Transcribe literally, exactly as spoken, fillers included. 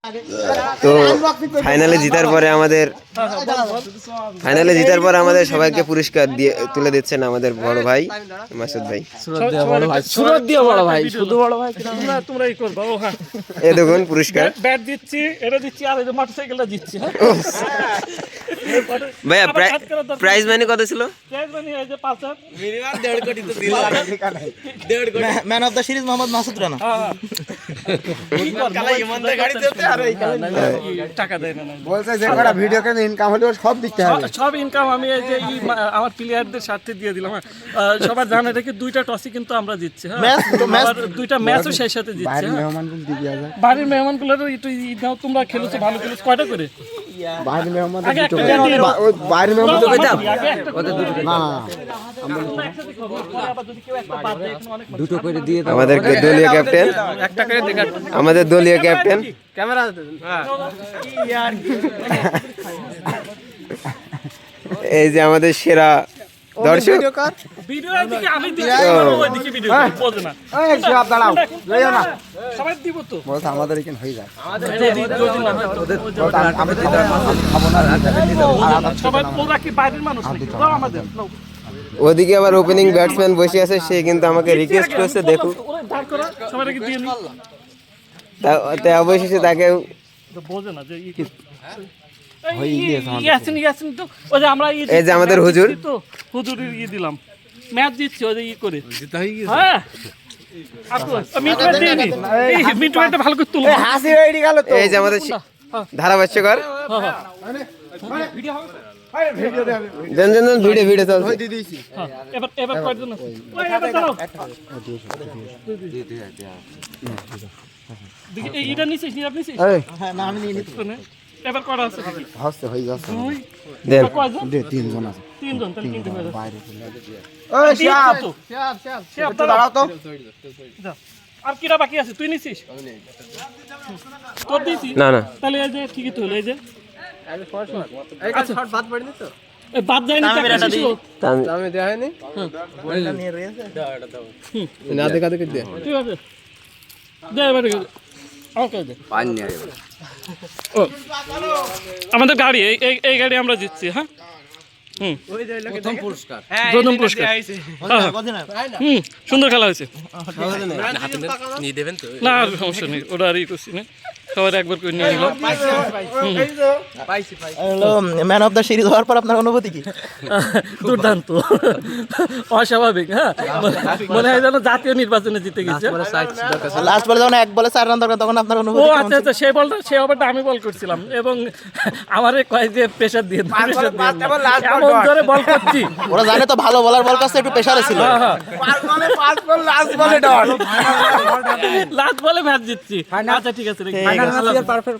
তো ফাইনালে জিতার পরে আমাদের ফাইনালে জিতার পরে আমাদের সবাইকে পুরস্কার দিয়ে তুলে দিচ্ছেন আমাদের বড় ভাই মাসুদ ভাই। এ দেখুন পুরস্কার ব্যাট দিচ্ছি, এটা দিচ্ছি, আর এই যে মোটরসাইকেলটা দিচ্ছি। ভাইয়া প্রাইজ মানি কত ছিল? প্রাইজ মানি এই যে পাঁচ হাজার, মিনিমাম দেড় কোটি তো দিল। দেড় crore man of the series Mohammad Masud Rana. কালা ইমানদার গাড়ি দিতে আর এই টাকা দেয় না। বলছে যে কটা ভিডিও কেন ইনকাম হলো সব দিতে হবে। সব ইনকাম আমি এই যে আমার প্লেয়ারদের স্বার্থে দিয়ে দিলাম। সবার জানা রেখে দুইটা টসই কিন্তু আমরা জিতছি। হ্যাঁ, দুইটা ম্যাচও সেই সাথে জিতছি। মেহমানগুলো দিবি আগে। বাড়ির মেহমানগুলো একটু নাও, তোমরা খেলেছো ভালো খেলেছো। কয়টা করে বাইরের মেহমান আগে একটা করে দিও। ওই বাইরের মেহমান তো কইতাম আগে একটা করে দিও। না দুটো করে দিয়ে দাও। আমাদের দলীয় ক্যাপ্টেন একটা করে দেখা আমাদের দলীয় ক্যাপ্টেন ক্যামেরা। এই যে আমাদের সেরা দর্শক। ভিডিও এদিকে আমি দিচ্ছি, ওইদিকে ভিডিও বোঝো না। এই সব দাঁড়াও লইও না সবাই দিব তো। বলছে আমাদের এখানে হয়ে যায় যদি যদি না হয় তো আমি দিতে খাবো না সবাই ওরা কি বাইরের মানুষ নাকি? দাও আমাদের নাও। ওদিকে আবার ওপেনিং ব্যাটসম্যান বসে আছে, সে কিন্তু আমাকে রিকোয়েস্ট করছে দেখুক। ওরা দাঁড় করা, সবাইকে দিয়ে নি। তাই অবশেষে তাকে তো বোঝো না যে কি হই গিয়েছে। ইয়াসিন ইয়াসিন তো ওই যে আমরা এই যে আমাদের হুজুর তো হুজুরের ই দিলাম, ম্যাচ দিচ্ছি ওই যে ই করে জিতা হয়ে গেছে। হ্যাঁ আপু মিটু দিয়ে নি, এই মিটু একটা ভালো করে তুলো। হাসি হয়ে গেল তো। এই যে আমাদের ধারাভাষ্যকর হ্যাঁ হ্যাঁ ভিডিও হবে। ভিডিও দে আমি জন জন জন ভিডিও ভিডিও চলছে। দিয়ে দিয়েছি হ্যাঁ এবার এবার কয়জন আছে? ওই এবার দাঁড়াও দেখি এই এটা নিছিস নি আপনি নিছিস? এই হ্যাঁ না আমি নিয়ে নিতে এবার কয়টা আছে? হাসতে হয়ে যাচ্ছে দুই দেন কয়জন? দে তিনজন আছে তিনজন, তাহলে তিনজন হয়ে যাচ্ছে। বাইরে চলে ওই ওই শিয়াব তো শিয়াব শিয়াব শিয়াব দাঁড়াও তো যা। আর কিরা বাকি আছে? তুই নিছিস? তোর দিয়েছি? না না তাহলে এই যে ঠিকই তো হলো। এই যে আচ্ছা শর্ট বাদ পড়েনি তো? এই বাদ যায়নি তো একটা ছিল। আমি দেয়া হয়নি বলটা নিয়ে রয়েছে দাও এটা দাও না দেখা দেখে দে ঠিক আছে দে এবার ওকে দে পানি আরে ও আমাদের গাড়ি এই এই- এই গাড়ি আমরা জিতছি। হ্যাঁ হুম প্রথম পুরস্কার প্রথম পুরস্কার। হ্যাঁ, হুম সুন্দর খেলা হয়েছে। নিয়ে দেবেন তো না আর সমস্যা নেই, ওটা আর ই করছি না, সবার একবার করে নিয়ে নিলাম। Hello man of the series হওয়ার পর আপনার অনুভূতি কি? দুর্দান্ত, অস্বাভাবিক। হ্যাঁ মনে হয় যেন জাতীয় নির্বাচনে জিতে গেছে। লাস্ট বলে যখন এক বলে চার রান দরকার তখন আপনার ও অনুভূতি কেমন আচ্ছা আচ্ছা, সেই বলটা সেই ওভারটা আমি বল করছিলাম এবং আমারে কয় যে প্রেসার দিয়ে প্রেসার দিয়ে এমন ধরে বল করছি। ছিল? ওরা জানে তো ভালো বলার বল কাছে একটু প্রেসারে ছিল। হ্যাঁ হ্যাঁ পাঁচ বলে পাঁচ বল লাস্ট বলে ডট লাস্ট বলে ম্যাচ জিতছি। আচ্ছা ঠিক আছে,